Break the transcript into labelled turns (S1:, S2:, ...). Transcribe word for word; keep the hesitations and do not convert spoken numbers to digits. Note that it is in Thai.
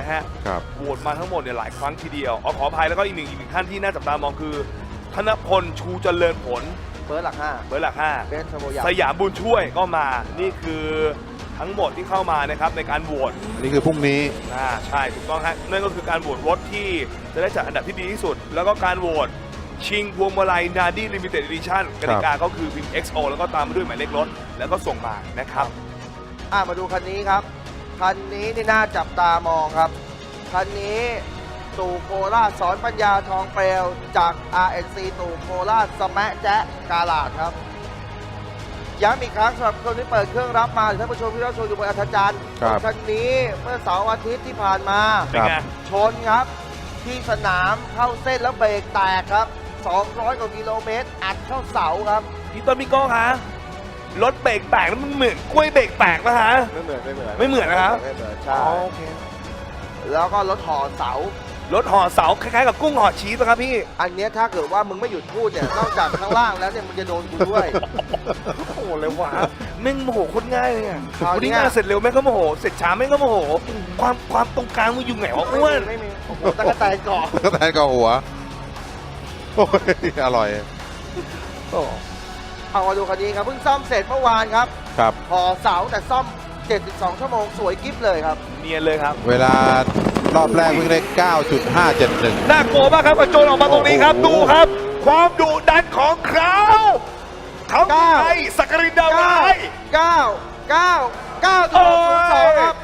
S1: นะฮะ
S2: ครับ
S1: โหวตมาทั้งหมดเนี่ยหลายครั้งทีเดียวอ๋อขออภัยแล้วก็อีกหนึ่งอีกหนึ่งท่านที่น่าจับตามองคือธนพลชูเจริญผล
S3: เบิร์ดหลักห้า
S1: เบอร์หลักห้า
S3: เบสชโมยา
S1: สยามบุญช่วยก็มานี่คือทั้งหมดที่เข้ามานะครับในการโหวต
S2: อันนี้คือพรุ่งนี้
S1: อ่าใช่ถูกต้องฮะนั่นก็คือการโหวตรถที่จะได้จัดอันดับที่ดีที่สุด แล้วก็การโหวตชิงพวงมาลัยนาดี้ลิมิเต็ด e ิชั่นกติกาก็คือพิมพ์ เอ็กซ์ โอ แล้วก็ตามมาด้วยหมายเลขรถแล้วก็ส่งมานะครับ
S3: อ่ะมาดูคันนี้ครับ คันนี้นี่น่าจับตามองครับ คันนี้ตู่โคราชสอนปัญญาทองเปลวจาก อาร์ เอ็น ซี ตู่โคราชสแมะแจ๊ะกาลาดครับ ย้ำอีกครั้งสำหรับคนที่เปิดเครื่องรับมาหรือท่านผู้ชมที่รับชมอยู่บนอัธจันทร์
S2: ครับ
S3: คันนี้เมื่อเสาร์อาทิตย์ที่ผ่านมา
S1: เป็นไง
S3: ชนครับ ที่สนามเข้าเส้นแล้วเบรกแตกครับ สองร้อยกว่ากิโลเมตร อัดเข้าเสาครับ
S1: พี่ต้นพี่โก้คะรถเบรกแตกแล้วมันเหมือนกล้วยเบรกแตกนะฮะ
S3: ไม่เหมือนไม่เหมือน
S1: ไม่เหมือนนะครับ
S3: ไม่เหมือน
S1: อ๋
S3: ใช่
S1: อโอเค
S3: แล้วก็รถห่อเสา
S1: รถห่อเสาคล้ายๆกับกุ้งห่อชีสนะครับพี่
S3: อันเนี้ยถ้าเกิดว่ามึงไม่หยุดพูดเนี่ย นอกจากข้างล่างแล้วเนี่ยมึงจะโดนกูด้วย
S1: โอ้โหเลยวะแม่งโมโหโคนง่ายเลยอ่ะ
S3: คราวเนี้ย
S1: วันนี้งานเสร็จเร็วแม่งก็โมโหเสร็จช้าแม่งก็โมโหความความตรงกลางมึงอยู่ไหนวะอ้วน
S3: ไม่มีโอ้โหตะกะแตนเกาะ
S2: ก็แทนกับหัว โอ้ย อร่อย
S3: เอามาดูคันนี้ครับเพิ่งซ่อมเสร็จเมื่อวานครับ
S2: ครับ
S3: ห่อเสาแต่ซ่อมเจ็ดสิบสองชั่วโมงสวยกิ๊บเลยครับ
S1: เนียนเลยครับ
S2: เวลารอบแรกวิ่งได้ เก้าจุดห้าเจ็ดหนึ่ง
S1: น่ากลัวมากครับกระโจนออกมาตรงนี้ครับ
S2: โอ้
S1: ดู
S2: โห
S1: ครับ ความดุดันของเขาเขา
S3: เก้า
S1: ไอ้สักกรินดาว
S3: เก้า
S1: ร้าย
S3: เก้าเก้าเก้า
S1: โอ้
S3: ศูนย์สอง
S1: ย
S3: ครับ